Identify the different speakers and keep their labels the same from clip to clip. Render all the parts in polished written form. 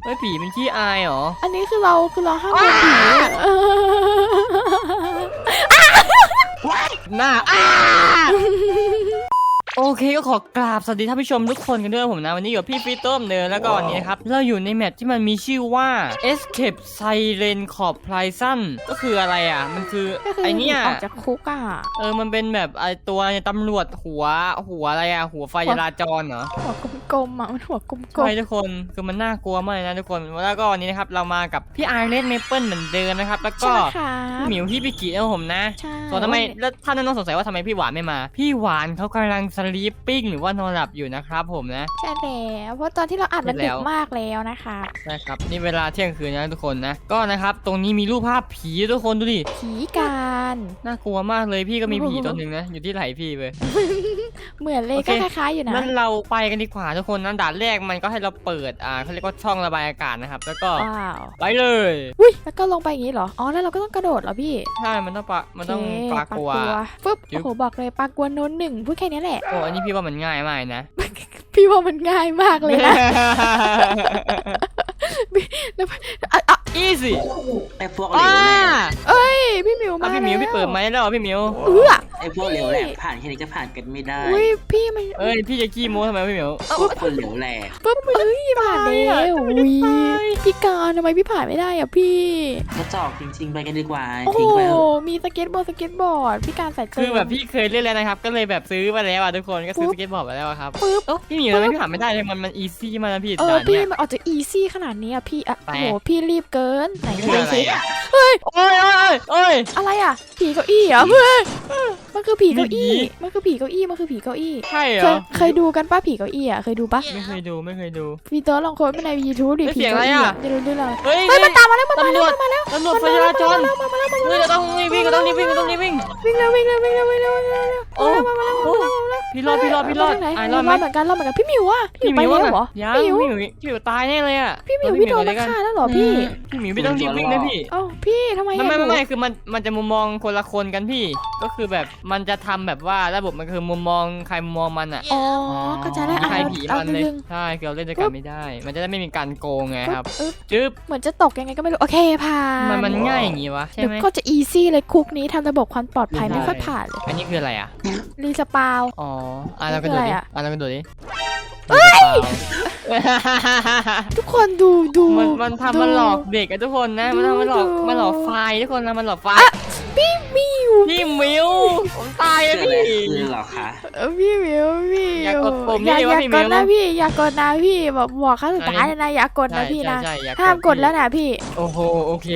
Speaker 1: เฮ้ยผีเป็นขี้อายเหรอ
Speaker 2: อันนี้คือเราห้ามโดนผี
Speaker 1: หน้าโอเคก็ขอกราบสวัสดีท่านผู้ชมทุกคนกันด้วยผมนะวันนี้อยู่พี่ฟีต้มเนอแล้วก็วันนี้นะครับเราอยู่ในแมปที่มันมีชื่อว่า Escape Siren Corp Prison ก็คืออะไรอ่ะมันคือไอเนี้ย
Speaker 2: ออกจากคุกอ่ะ
Speaker 1: มันเป็นแบบไอตัวตำรวจหัวอะไรอ่ะหัวไฟจราจรเหรอ
Speaker 2: หัวกลมๆอ่ะมันหัวกลมๆ
Speaker 1: ใช่ทุกคนคือมันน่ากลัวมากเลยนะทุกคนแล้วก็วันนี้นะครับเรามากับพี่ไอเลนเมเปิลเหมือนเดิมนะครับแล้วก็หมิวพี่ปิกินะผมนะส่วนทำไมแล้วท่านน้องสงสัยว่าทำไมพี่หวานไม่มาพี่หวานเขากำลังสลีปปิ้งหรือว่านอนหลับอยู่นะครับผมนะ
Speaker 2: ใช่แล้วเพราะตอนที่เราอัดมันดึกมากแล้วนะคะ
Speaker 1: ใช่ครับนี่เวลาเที่ยงคืนนะทุกคนนะก็นะครับตรงนี้มีรูปภาพผีทุกคนดูดิ
Speaker 2: ผีการ
Speaker 1: น่ากลัวมากเลยพี่ก็มีผีตัวหนึ่งนะอยู่ที่ไหล่พี่เลย
Speaker 2: เหมือนเลยก็คล้ายๆอยู่นะ
Speaker 1: งั้นเราไปกันดีกว่าทุกคนนะด่านแรกมันก็ให้เราเปิดเขาเรียกว่าช่องระบายอากาศนะครับแล้วก็ไปเลย
Speaker 2: อุ้ยแล้วก็ลงไปอย่างนี้เหรออ๋อแล้วเราก็ต้องกระโดดเหรอพี่
Speaker 1: ใช่มันต้องปลากลัว
Speaker 2: ปึ๊บโอ้โหบอกเลยปลากลัวโน้นหนึ่งพูดแค่นี้แหละ
Speaker 1: โอ้อันนี้พี่ว่ามันง่ายมากนะ
Speaker 2: พี่ว่ามันง่ายมากเลยนะ
Speaker 1: อีซี่
Speaker 3: ไอ้พวกเหลวแหลก
Speaker 2: เอ้ยพี่หมิวมา
Speaker 1: พี่หมิวพี่เปิดไหมแล้วพี่หมิว
Speaker 3: ไอ้พวกเหลวแหลกผ่านแค่นี้ก็ผ่านกันไม่ได้
Speaker 2: อุ้ยพี่มัน
Speaker 1: พี่จะขี้โม้ทำไมพี่หมิว
Speaker 3: คนเหลวแหลก
Speaker 2: ปึ๊บผ่านแล้วอุ้ยพี่การทำไมพี่ผ่านไม่ได้อ่ะพี่
Speaker 3: กระจอกจริงๆไปกันดีกว่า
Speaker 2: ทิ้งไปมีสเก็ตบอร์ดพี่การใส่
Speaker 1: คือแบบพี่เคยเล่นแล้วนะครับก็เลยแบบซื้อมาแล้วทุกคนก็ซื้อสเก็ตบอร์ดมาแล้วครับปึ๊บพี่หมิวทำไมพี่ผ่านไม่ได้เลยมันอีซี่มากนะพี่
Speaker 2: พี่มันออกจะอีซี่ขนาดนี้อ่ะพี่โอ้โหพี่รีบเกินไหน
Speaker 1: คืออะไร
Speaker 2: เฮ้ย
Speaker 1: โอ้ย
Speaker 2: อะไรอ่ะผีเก้าอี้เหรอเพื่อนมันคือผีเก้าอี้
Speaker 1: ใช่เหรอ
Speaker 2: เคยดูกันป้าผีเก้าอี้อ่ะเคยดูปะ
Speaker 1: ไม่เคยดู
Speaker 2: พี่เต๋อลองค้นไปใน YouTube ดิ
Speaker 1: ผีเก้าอี้อ่ะ
Speaker 2: จะรู้ได้เลย
Speaker 1: เฮ้ย
Speaker 2: มันตามมาแล้ว
Speaker 1: ตำรวจไฟจราจรเฮ้ยเราต้องวิ่งวิ่งโอ้พี่รอดไอ้รอดไหม
Speaker 2: เหมือนกันพี่มิวอ่ะพี่ไปแล้วเหรอ
Speaker 1: พี่มิวตายแน่เลยอ่ะ
Speaker 2: พี่มิวพี่โดนฆ่าแล้วเหรอพี่
Speaker 1: มิวพี่ต้องรีบวิ่งนะพี่
Speaker 2: พี่ทำไม
Speaker 1: ไม่คือมันจะมุมมองคนละคนกันพี่ก็คือแบบมันจะทำแบบว่าระบบมันคือมุมมองใครมุมมองมันอ่ะ
Speaker 2: อ๋อก็จะได้
Speaker 1: ใครผีมันเลยใช่คือเราเล่นด้วยกันไม่ได้มันจะได้ไม่มีการโกงไงครับจึ๊บ
Speaker 2: เหมือนจะตกยังไงก็ไม่รู้โอเคผ่าน
Speaker 1: มันง่ายอย่างงี้วะใช่ไหม
Speaker 2: ก็จะอีซี่เลยคุกนี้ทำระบบความปลอดภัยไม่ค่อยผ่านเลย
Speaker 1: อันนี้คืออะไรอ่ะ
Speaker 2: รีสปาว
Speaker 1: อ๋อเรากระโดดดิเรากระโดดดิ
Speaker 2: ทุกคนดู
Speaker 1: มันทำมันหลอกเด็กอะทุกคนนะมันหลอกไฟทุกคนนะมันหลอกไฟ
Speaker 2: พี่มิว
Speaker 1: ผมตายอะพี่
Speaker 3: หรอคะ
Speaker 2: พี่มิว
Speaker 1: อยากกดปุ่ม
Speaker 2: อย่ากดนะพี่อย่ากดนะพี่บอกขั้นสุดท้ายนะอย่ากดนะพี่นะห้ามกดแล้วนะพี่
Speaker 1: โอ้โหโอเค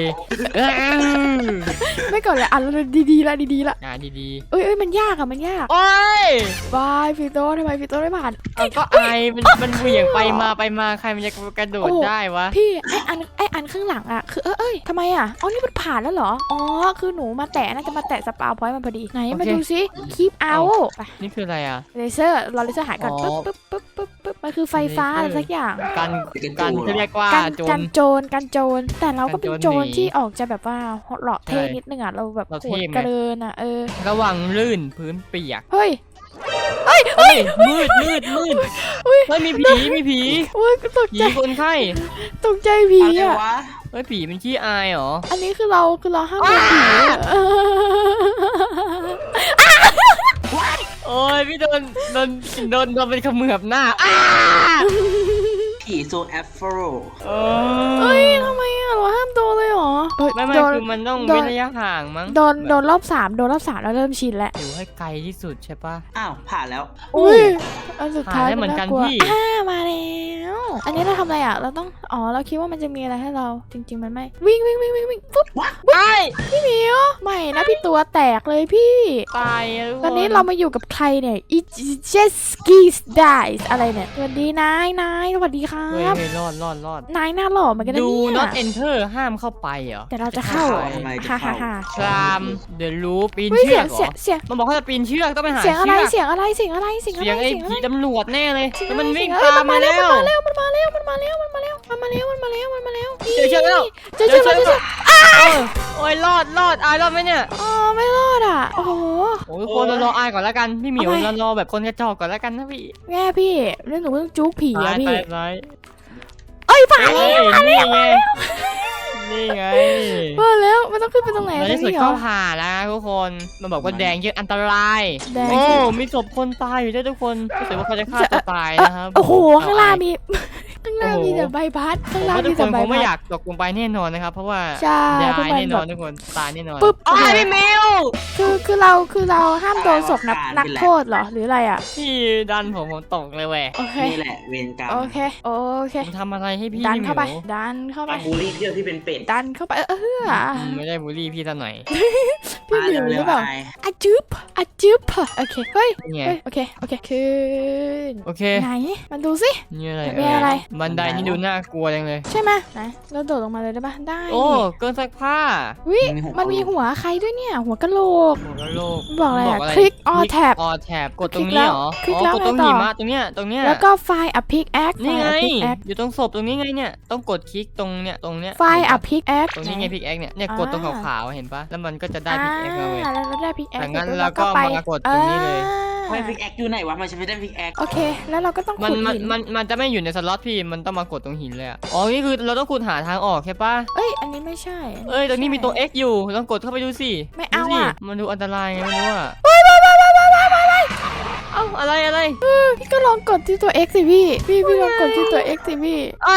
Speaker 2: ไม่กดเลยดีละดีเอ้ยมันยากอะมันยาก
Speaker 1: โอ้ย
Speaker 2: บายพี่โต้ทำไมพี่โต้ไม่ผ่าน
Speaker 1: ก็ไอมันเหวี่ยงไปมาใครมันจะกระโดดได้วะ
Speaker 2: พี่ไออันข้างหลังอะคือทำไมอะอ๋อนี่มันผ่านแล้วเหรออ๋อคือหนูมาแตะน่าจะมาแตะสปาวพอยต์มันพอดีไหนมาดูซิคีปเอา
Speaker 1: นี่คืออะไรอะ
Speaker 2: เลเซอร์รอเลเซอร์หายก่อนปึ๊บมันคือไฟฟ้าอะไรสักอย่าง
Speaker 1: การเรียกว่า
Speaker 2: การโจรแต่เราก็เป็นโจรที่ออกจะแบบว่าหล่อเท่นิดนึงอะเราแบบโหดเกินอะ
Speaker 1: ระวังลื่นพื้นเปียก
Speaker 2: เฮ้ย
Speaker 1: มืดไม่มีผี
Speaker 2: ตกใจ
Speaker 1: คนไข้
Speaker 2: ตกใจผีอะ
Speaker 1: ผีเป็นขี้อายเหรอ
Speaker 2: อันนี้คือเราห้ามโดนผี
Speaker 1: โอ้ยพี่โดนเป็นขมือบหน้า
Speaker 3: ผีโซแอฟโฟร
Speaker 2: เฮ้ยทำไมอะเราห้ามโดนเลยหรอ
Speaker 1: ไม่คือมันต้องเว้นระยะห่างมั้ง
Speaker 2: โดนรอบ3แล้วเริ่มชินแล้ว
Speaker 1: อยู่ให้ไกลที่สุดใช่ปะ
Speaker 3: อ้าวผ่านแล้ว
Speaker 2: อุ้ยอันสุดท้าย
Speaker 1: เหมือนกันพี่
Speaker 2: มาแล้วอันนี้เราทำอะไรอะเราต้องเราคิดว่ามันจะมีอะไรให้เราจริงๆมันไม่วิ่งปุ๊บพี่มิวไม่นะพี่ตัวแตกเลยพี่
Speaker 1: ตาย
Speaker 2: ตอนนี้เรามาอยู่กับใครเนี่ยอีเจสกี้ได้อะไรเนี่ยสวัสดีนายสวัสดีครับ
Speaker 1: รอด
Speaker 2: นายหน้าหล่อเหมือนกันนะเนี่ย
Speaker 1: not enter ห้ามเข้าไปเหรอ
Speaker 2: แต่เราจะเข้า
Speaker 1: คลามเดอะรูปีนเชือกเหรอมันบอกว่าจะปีนเชือกต้องไปหาเสียงอะไร
Speaker 2: เสียงไอ้
Speaker 1: ผีตำรวจแน่เลยมันวิ่งตามมาแล้ว
Speaker 2: มันมาแล้ว
Speaker 1: เจอแล้วโอ้ยรอดอายรอดไหมเนี่ย
Speaker 2: ไม่รอดอ่ะโอ้โห
Speaker 1: คนรออายก่อนแล้วกันพี่หมิวรอแบบคนกระจอกก่อนแล้วกันนะพี่
Speaker 2: แง่พี่เรื่องหนูเพิ่งจุกผีอะพี่ผ่าน
Speaker 1: เอ้ยนี่ไงนี่ไง
Speaker 2: มาแล้วมันต้องขึ้นไปตรงไหน
Speaker 1: ในที่สุด
Speaker 2: เหร
Speaker 1: ก็
Speaker 2: อ
Speaker 1: ผ่านแล้วทุกคนมันบอกว่าแดงเยอะอันตราย
Speaker 2: แดง
Speaker 1: โอ้
Speaker 2: เยอะ
Speaker 1: มีศพคนตายอยู่ด้วยทุกคนรู้สึกว่าเขาจะฆ่าตัวตายนะครับ
Speaker 2: โอ้โหข้างล่างมี ข้างล่างมีแต่ใบพัดข้าง
Speaker 1: ผม
Speaker 2: ล่าง
Speaker 1: ว่าทุ
Speaker 2: มี
Speaker 1: กค
Speaker 2: แต่
Speaker 1: น
Speaker 2: ใบ
Speaker 1: คงไม่
Speaker 2: พั
Speaker 1: อ
Speaker 2: ด
Speaker 1: ยากตกลงไปแน่นอนนะครับเพราะว่า
Speaker 2: ใช่
Speaker 1: ตา
Speaker 2: พวก
Speaker 1: ย
Speaker 2: มัน
Speaker 1: แน่นอน
Speaker 2: แบบ
Speaker 1: ทุกคนตายแน่นอน
Speaker 2: ปึ๊บ
Speaker 1: อ้าวพี่มิว
Speaker 2: คือเราห้ามโดนศพนักโทษเหรอหรืออะไรอ่ะ
Speaker 1: พี่ดันผมตกเลยแหวะ
Speaker 2: โอเค
Speaker 3: นี่แหละเวรกรรม
Speaker 2: โอเค
Speaker 1: ผมทำอะไรให้พี่
Speaker 2: ดัน
Speaker 1: พี่ห
Speaker 2: เข้าไป
Speaker 1: มิว
Speaker 2: ดันเข้าไป
Speaker 3: มาบูลลี่เที่ยวที่เป็นเป็ด
Speaker 2: ดันเข้าไป
Speaker 1: ไม่ได้บูลลี่พี่ซะหน่อย
Speaker 2: พี่หมิวหรือเปล่า
Speaker 3: ไอ้
Speaker 2: อะจึ๊บอะจึ๊บโอเคเฮ้ย
Speaker 1: นี่ไง
Speaker 2: โอเคขึ้น
Speaker 1: โอเค
Speaker 2: ไหนมันดูสิ
Speaker 1: นี่อะไร
Speaker 2: มีอะไร
Speaker 1: บันไดนี่ดูน่ากลัวจังเลย
Speaker 2: ใช่ไหมไหนเราโดดลงมาเลยได้ปะได้
Speaker 1: โอ้เกินซักผ้า
Speaker 2: วิมันมีหัวใครด้วยเนี่ยหัวกะโหลก
Speaker 1: หัวกะโหลก
Speaker 2: มันบอกอะไรอะคลิกออแท็บ
Speaker 1: ออแท็บกดตรงนี้เหรอ
Speaker 2: คลิก
Speaker 1: อ๋อ
Speaker 2: แล้ว
Speaker 1: กดตรง
Speaker 2: ไงต่อ
Speaker 1: หิมะตรงเนี้ยตรงเนี้ย
Speaker 2: แล้วก็ไฟอะพิกแอค
Speaker 1: นี่ไง
Speaker 2: พิกแอค
Speaker 1: อยู่ตรงศพตรงนี้ไงเนี่ยต้องกดคลิกตรงเนี้ยตรงเนี้ย
Speaker 2: ไฟอะพิกแอค
Speaker 1: ตรงนี้ไงพิกแอคเนี่ยกดตรงขาวๆเห็นปะแล้วมันก็จะได้พิกแอคมาเลย
Speaker 2: แล้วเราได้พิกแอค
Speaker 1: จากนั้นเราก็มากดตรงนี้เลย
Speaker 3: ไม่พิกแอคอยู่ไหนวะมันจะไม่ได้พิกแอค
Speaker 2: โอเค แล้วเราก็ต้อง
Speaker 1: มัน
Speaker 2: ขุด
Speaker 1: มัน
Speaker 2: หิน
Speaker 1: มันจะไม่อยู่ในสล็อตพี่มันต้องมากดตรงหินเลยอะอ๋อนี่คือเราต้องขุดหาทางออกใช่ปะ
Speaker 2: เอ้ยอันนี้ไม่ใช่
Speaker 1: เอ้ยตรงนี้มีตัว X อยู่ลองกดเข้าไปดูสิ
Speaker 2: ไม่เอา
Speaker 1: ดูสิ
Speaker 2: อะ
Speaker 1: มันดูอันตรายไงไม่รู้อะเอ้าอะไร
Speaker 2: พี่ก็ลองกดที่ตัว X สิพี่ลองกดที่ตัว X สิพี่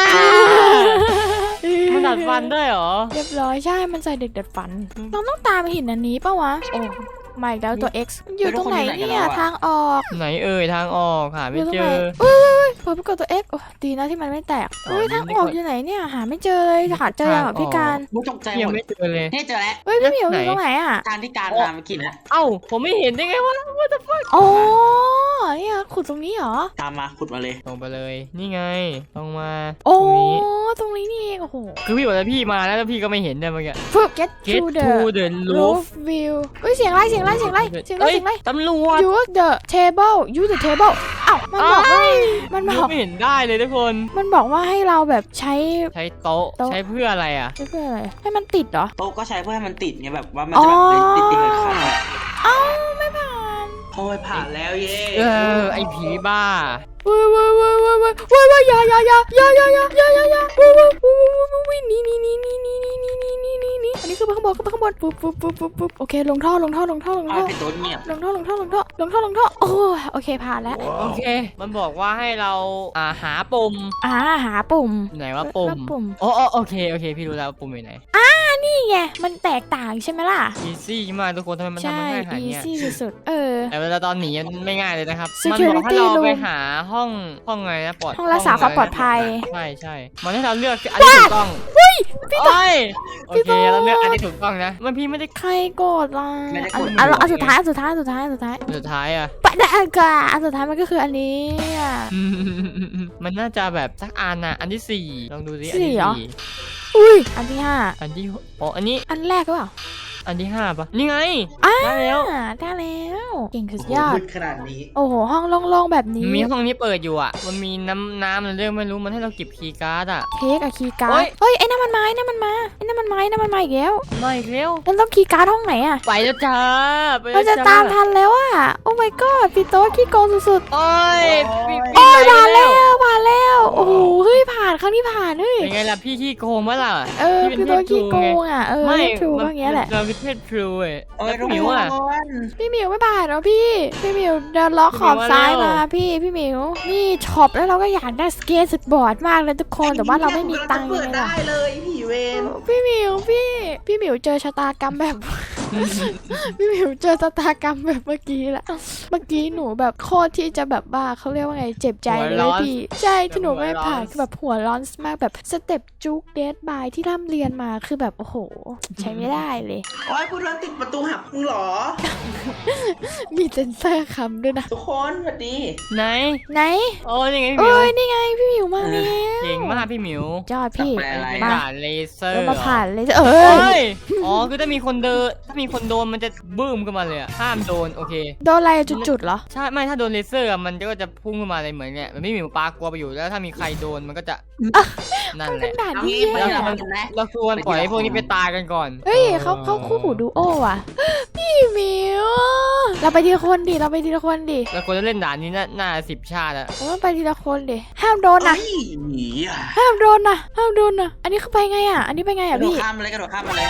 Speaker 1: มันดัดฟันด้วยเหรอ
Speaker 2: เรียบร้อยใช่มันใส่เด็กดัดฟันเราต้องตามไปหินอันนี้ปะวะโอ้มาอีกแล้วตัว X มันอยู่ตรงไหนเนี่ยทางออก
Speaker 1: ไหนเอ่ยทางออกหาไม่เจอ
Speaker 2: พอไปกดตัว X โอ้ดีนะที่มันไม่แตก
Speaker 1: อ๋อ
Speaker 2: เฮ้ยทางออกอยู่ไหนเนี่ยหาไม่เจอเลยหาเจอแบบพี่การ
Speaker 3: มุตกใจห
Speaker 1: ยั
Speaker 3: ม
Speaker 1: ง
Speaker 3: ด
Speaker 1: ไม่เจอเลย
Speaker 3: นี่เจอแล้ว
Speaker 2: เฮ้ยพี่เหมียวอ
Speaker 1: ไหน
Speaker 2: ยู่ตรงไหนอ่ะ
Speaker 3: ทางที่การพาเมื่อกี้นะ
Speaker 1: เอ้าผมไม่เห็นได้ไงวะ What the fuck
Speaker 2: อ๋อเนี่ยขุดตรงนี้เหรอ
Speaker 3: ตามมาขุดมาเลย
Speaker 1: ลงไปเลยนี่ไงลงมา
Speaker 2: โอ้
Speaker 1: ตรงนี้
Speaker 2: ตรงนี้นี่เองโอ้โห
Speaker 1: คือพี่บอกแล้วพี่มาแล้วพี่ก็ไม่เห็นเนี่ยเมื่อกี้
Speaker 2: ฝึก get
Speaker 1: Get
Speaker 2: to
Speaker 1: to
Speaker 2: the
Speaker 1: the roof
Speaker 2: roof view เฮ้ยเสียงอะไรเสียงอะไร
Speaker 1: เอ้ยตำรวจ
Speaker 2: use the table use the table อ้าวมันบอกว่ามันบอก
Speaker 1: ไม่เห็นได้เลยทุกคน
Speaker 2: มันบอกว่าให้เราแบบใช้
Speaker 1: ใช้โต๊ะ
Speaker 2: โต๊ะ
Speaker 1: ใช้เพื่ออะไรอ่ะ
Speaker 2: เพื่ออะไรให้มันติดเหรอ
Speaker 3: โต๊ะก็ใช้เพื่อให้มันติดไงแบบว่ามันจะแบบติดเลยค่ะ
Speaker 2: เอ้าไม่ผ่าน
Speaker 3: โอ้ยผ่านแล้วเย้
Speaker 1: ไอผีบ้า
Speaker 2: เว้ยอย่าอย่านี่อันนี้คือไปข้างบนปุ๊บโอเคลงท่อ
Speaker 3: เอาไปโต๊ะเงียบ
Speaker 2: โอ้โอเคผ่านแล้ว
Speaker 1: โอเค มันบอกว่าให้เราหาปุ่ม
Speaker 2: หาปุ่ม
Speaker 1: ไหนว่าปุ่ม
Speaker 2: แล้วปุ่ม
Speaker 1: อ๋อโอเคพี่รู้แล้วว่าปุ่มอยู่ไหน
Speaker 2: นี่ไงมันแตกต่างใช่ไหมล่ะ
Speaker 1: easy มากทุกคนทำไมมันทำ
Speaker 2: ใช่
Speaker 1: มันง่ายขนาดเนี้ย
Speaker 2: easy สุดๆ
Speaker 1: แต่เวลาตอนหนีมันไม่ง่ายเลยนะครับ
Speaker 2: Security
Speaker 1: มันบอกให้เราไป
Speaker 2: room
Speaker 1: หาห้องไงนะปลอด
Speaker 2: ห้องรักษาความปลอดภัย
Speaker 1: ใช่มันให้เราเลือกอันที่ถูกต้องพี่โอเคเราเลือกอันที่ถูกต้องนะมันพี่ไม่ได้
Speaker 2: ใครโกรธล่ะ
Speaker 3: ไม่ได้
Speaker 2: อั
Speaker 3: ก
Speaker 2: น
Speaker 3: ด
Speaker 2: อันสุดท้าย
Speaker 1: สุดท้ายอ่ะ
Speaker 2: ปะได้อันสุดท้ายมันก็คืออันนี้อะ
Speaker 1: มันน่าจะแบบสักอันน่ะอันที่สี่ลองดูสิอัน
Speaker 2: สี่
Speaker 1: ที่
Speaker 2: เหรอ
Speaker 1: สี่
Speaker 2: อุ้ยอันที่ห้า
Speaker 1: อันที่อ๋ออันนี้
Speaker 2: อันแรกก็เปล่า
Speaker 1: อันที่ห้าปะนี่ไง
Speaker 2: อ่า
Speaker 1: ได้แล้ว
Speaker 2: ได้แล้วเก่งสุด
Speaker 3: โอ้โห
Speaker 2: ยอด
Speaker 3: มืดขนาดนี้
Speaker 2: โอ้โหห้องโล่งๆแบบนี้
Speaker 1: มีห้องนี้เปิดอยู่อ่ะมันมีน้ำอะไรเรื่องไม่รู้มันให้เราเก็บคีย์การ์ดอ่ะ
Speaker 2: เทคอะคีย์การ์
Speaker 1: เฮ้
Speaker 2: ด
Speaker 1: ย
Speaker 2: เฮ้ยไอ้นั่นมันมาอีกแล้ว
Speaker 1: มาอีกแล้ว
Speaker 2: แล้วต้องคีย์การ์ดห้องไหนอะ
Speaker 1: ไปแล้วจ้าไป
Speaker 2: เรา
Speaker 1: แล้ว
Speaker 2: จะ
Speaker 1: จ้า
Speaker 2: ตามทันแล้วอะโอ้ my god พี่โต๊ะขี้โกงสุด
Speaker 1: โอ้ยพี่
Speaker 2: ๆโอ้ยผ่านแล้วโอ้โหเฮ้ยผ่านครั้งนี้ผ่านเฮ้ย
Speaker 1: เป็นไงล่ะพี่ขี้โกงมั้ยล่ะ
Speaker 2: พี่โต๊ะขี้โกงอะ
Speaker 1: ไม่
Speaker 2: ทรูก็อย่างเงี้ยแหละ
Speaker 1: เราคือเพศทรูเว้ย
Speaker 3: โอ้
Speaker 1: แล้
Speaker 3: ยว ทุก
Speaker 1: หมิวอ่ะ
Speaker 3: คน
Speaker 2: พี่หมิวไม่ผ่านเหรอพี่หมิวเดินล็อกขอบซ้ายมาพี่หมิวนี่ช็อปแล้วเราก็อยากได้สเก็ตสบอร์ดมากเลยทุกคนแต่ว่าเราไม่มีตังค์
Speaker 3: เปิด
Speaker 2: เลย
Speaker 3: ได้เลยผีเวร
Speaker 2: พี่หมิวพี่หมิวเจอชะตากรรมแบบ พี่หมิวเจอชะตากรรมแบบเมื่อกี้แหละเมื่อกี้หนูแบบโคตรที่จะแบบบ้าเขาเรียกว่าไงเจ็บใจเลยพี่ใช่ที่หนูไม่ผ่านคือแบบหัวร้อนมากแบบสเต็ปจุกเดดบายที่ร่ำเรียนมาคือแบบโอ้โหใช้ไม่ได้เลย
Speaker 3: โอ้ยกูโดนติดประตูหักมึงเหรอ
Speaker 2: มีเซนเซอร์คำด้วยนะ
Speaker 3: ทุกคนสวัสดี
Speaker 1: ไหนโอ้ยังไงพี่หมิ
Speaker 2: เอ้
Speaker 1: วย
Speaker 2: นี่ไงพี่หมิวมาแล้ว
Speaker 1: เก่งมากพี่หมิวย
Speaker 2: อดพี่
Speaker 3: แปลอะไร
Speaker 1: เป็น
Speaker 2: มา
Speaker 1: ด่านเลเซอร์
Speaker 2: เรามาผ่านเลย
Speaker 1: เฮ้ยอ๋อคือถ้ามีคนโดนมันจะบึ้มขึ้นมาเลยอะห้ามโดนโอเค
Speaker 2: โดนอะไรจุดๆเหรอ
Speaker 1: ใช่ไม่ถ้าโดนเลเซอร์อะมันก็จะพุ่งขึ้นมาเลยเหมือนเนี่ยมันไม่มีหมูปลากลัวไปอยู่แล้วถ้ามีใครโดนมันก็จะนั่น
Speaker 2: มัน
Speaker 1: แห
Speaker 2: เป็น
Speaker 1: ละ
Speaker 2: ด่าน
Speaker 3: เอา
Speaker 2: ที่
Speaker 3: งี้ไป
Speaker 2: แย่
Speaker 3: เดี๋ยว
Speaker 2: อะ
Speaker 3: กันนะ
Speaker 1: เราควรปล่อยให้พวกนี้ไปตายกันก่อน
Speaker 2: เฮ้ยเขาคู่หูดูโอว่ะพี่หมิวเราไปทีละคนดิ
Speaker 1: แล้วคนจะเล่นด่านนี้น่า10 ชาติอะ
Speaker 2: เราไปทีละคนดิห้ามโดนนะ
Speaker 3: เฮ้ยหนีอ่ะ
Speaker 2: ห้ามโดนนะอันนี้คือไปไงอ่ะอันนี้ไปไง
Speaker 3: ก
Speaker 2: อ่ะ
Speaker 3: ระโดด
Speaker 2: พี่
Speaker 3: ข้ามมาเลยกระโดดข้ามมาเลย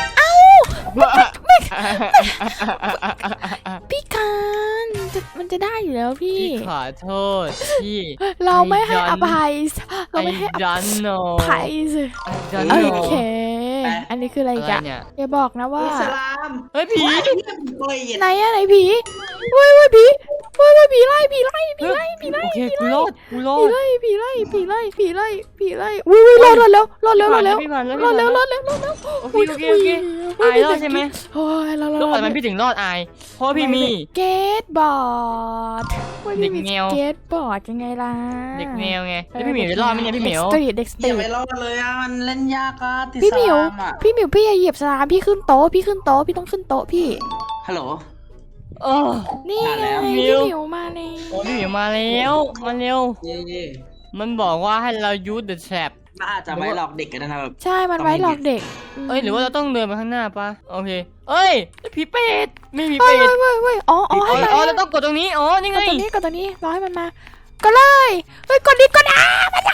Speaker 2: พี่การมันจะได้อยู่แล้วพี่
Speaker 1: พี่ขอโทษพี่
Speaker 2: เราไม่ให้อภัยเราไม่ให้อ
Speaker 1: ดันโน
Speaker 2: ภัยสิ
Speaker 1: ดัน
Speaker 2: โอ
Speaker 1: โน
Speaker 2: เค อันนี้คืออะไร
Speaker 1: อะไร
Speaker 2: กัน
Speaker 1: เนี่ย
Speaker 2: อย่าบอกนะว่า
Speaker 3: อิสลาม
Speaker 1: เฮ้ยผี
Speaker 3: ว้ายเนี่ยผีตัวเหยียด
Speaker 2: ไหนอะไหนผีเว้ยผีผีไล่
Speaker 1: โอเคกูรอด
Speaker 2: ผีไล่อุ้ยรอดแล้ว
Speaker 1: พี่ผ่านแล้ว
Speaker 2: รอดแล้ว
Speaker 1: โอเคอายรอดใช่ไหม
Speaker 2: โอ้ยรอด
Speaker 1: แล้วทำไมพี่ถึงรอดอายเพราะพี่มี
Speaker 2: เกตบอร์ด
Speaker 1: เด็กแนว
Speaker 2: เกตบอร์ดยังไงล่ะ
Speaker 1: เด็กแนวไงแล้วพี่หมิวจะรอดไหมเนี่ยพี่หมิว
Speaker 2: เด็กสต
Speaker 3: อ
Speaker 2: รี
Speaker 3: ย่า
Speaker 2: ท
Speaker 3: ไปรอดเลยอ่ะมันเล่นยากอ่ะติด
Speaker 2: พี่
Speaker 3: ส
Speaker 2: หมิว
Speaker 3: ลามอ่ะ
Speaker 2: พี่อย่าเหยียบสลามพี่ขึ้นโต๊ะพี่ต้องขึ้นโต๊ะพี่
Speaker 3: ฮัลโหล
Speaker 1: เออ
Speaker 2: นี่
Speaker 3: มา
Speaker 2: ไง
Speaker 3: แล้ว
Speaker 2: พี่หมิวมาเลย
Speaker 1: โอ้พี่หมิวมาแล้วมาเร็ว
Speaker 3: เย่
Speaker 1: มันบอกว่าให้เรา use the trap
Speaker 3: น่าจะไว้หลอกเด็กกันนะครับ
Speaker 2: ใช่มันไว้หลอกเด็ก
Speaker 1: เอ้ยหรือว่าเราต้องเดินไปข้างหน้าปะโอเคเอ้ยผีเป็ดไม่มี
Speaker 2: เว้
Speaker 1: เป็
Speaker 2: ย
Speaker 1: ด
Speaker 2: เว้ยอ๋อให้มา
Speaker 1: อ๋อเราต้องกดตรงนี้อ๋อนี่
Speaker 2: ก
Speaker 1: ไง
Speaker 2: ดตัวนี้รอให้มันมาก็เลยเฮ้ยกดดิกดอ่ะ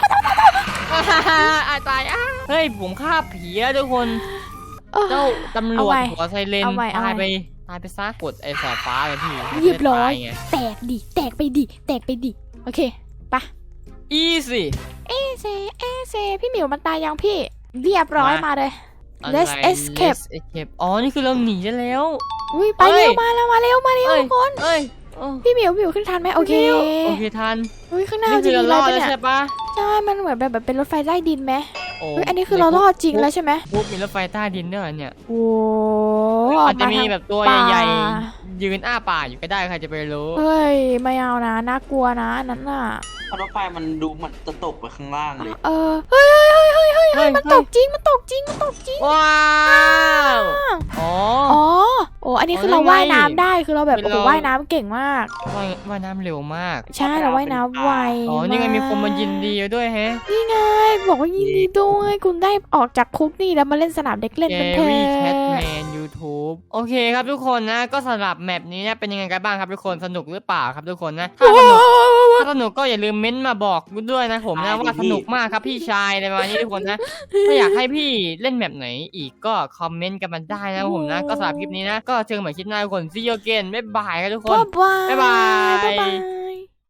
Speaker 1: ตายเฮ้ยผมฆ่าผีแล้วทุกคน เจ้าตำรวจหัวไซเรนตายไปซะกดไอ้สายฟ้าเลยพี่
Speaker 2: เรียบร้อย
Speaker 1: ไง
Speaker 2: แตกไปดิโอเคปะ
Speaker 1: easy
Speaker 2: เอเซพี่หมิวมันตายยังพี่เรียบร้อยมาเลย Let's escape
Speaker 1: อ๋อนี่คือเราหนีได้แล้ว
Speaker 2: อุ้ยไปเร็วมาเร็วทุกคน
Speaker 1: เอ้ย
Speaker 2: พี่หมิวขึ้นทันไหมโอเค
Speaker 1: โอเคทัน
Speaker 2: อุ้ยข้างหน้า
Speaker 1: นี่
Speaker 2: จะ
Speaker 1: คือ
Speaker 2: มี
Speaker 1: เรา
Speaker 2: อะไร
Speaker 1: รอด
Speaker 2: ปะ
Speaker 1: แล้ว
Speaker 2: เนี่ย
Speaker 1: ใช่ปะ
Speaker 2: ใช่มันเหมือนแบบเป็นรถไฟใต้ดินไหม
Speaker 1: โอ้
Speaker 2: อุ้ยอันนี้คือเรารอดจริงแล้วใช่ไหม
Speaker 1: ปุ๊บมีรถไฟใต้ดินด้วยเหรอเนี่ย
Speaker 2: โอ้
Speaker 1: อาจจะมีแบบตัวใหญ่
Speaker 2: ป่า
Speaker 1: ๆยืนอ้าปากอยู่ก็ได้ใครจะไปรู้
Speaker 2: เฮ้ยไม่เอานะน่ากลัวนะนั่นน่ะ
Speaker 3: เพราะรถไฟมันดูเหมือนจะตกไปข้างล่างเลย
Speaker 2: เฮ้ยมันตกจริงมันตกจริง
Speaker 1: ว้าวอ๋อ
Speaker 2: โอ้อันนี้คือ
Speaker 1: อ๋อ
Speaker 2: เรา
Speaker 1: นั่นไง
Speaker 2: ว่ายน้ำได้คือเราแบบ
Speaker 1: เป็น
Speaker 2: โอ้โห
Speaker 1: เรา
Speaker 2: ว่ายน้ำเก่งมาก
Speaker 1: ว่ายน้ำเร็วมาก
Speaker 2: ใช่เราว่ายน้ำไว
Speaker 1: อ๋อนี่ไงมีคนมายิน
Speaker 2: ก
Speaker 1: ดีด้วยแฮะ
Speaker 2: นี่ไงบอกว่ายินดีด้วยคุณได้ออกจากคุกนี่แล้วมาเล่นสนามเด็กเล่น
Speaker 1: เจ
Speaker 2: กันเถ
Speaker 1: รี่แคท
Speaker 2: อะ
Speaker 1: แมนยูทูบโอเคครับทุกคนนะก็สำหรับแมปนี้เนี่ยเป็นยังไงกันบ้างครับทุกคนสนุกหรือเปล่าครับทุกคนนะถ้าสนุกก็อย่าลืมเม้นต์มาบอกกูด้วยนะผมนะว่าสนุกมากครับพี่ชายในวันนี้ทุกคนนะถ้าอยากให้พี่เล่นแมปไหนอีกก็คอมเมนต์กันมาได้นะผมนะก็สำหรับคลิปนี้นะก็เจอกันใหม่คลิปหน้าทุกคน see you again บ๊ายบายครับทุกคน
Speaker 2: บ๊ายบาย
Speaker 1: บ๊ายบาย
Speaker 2: บ๊ายบาย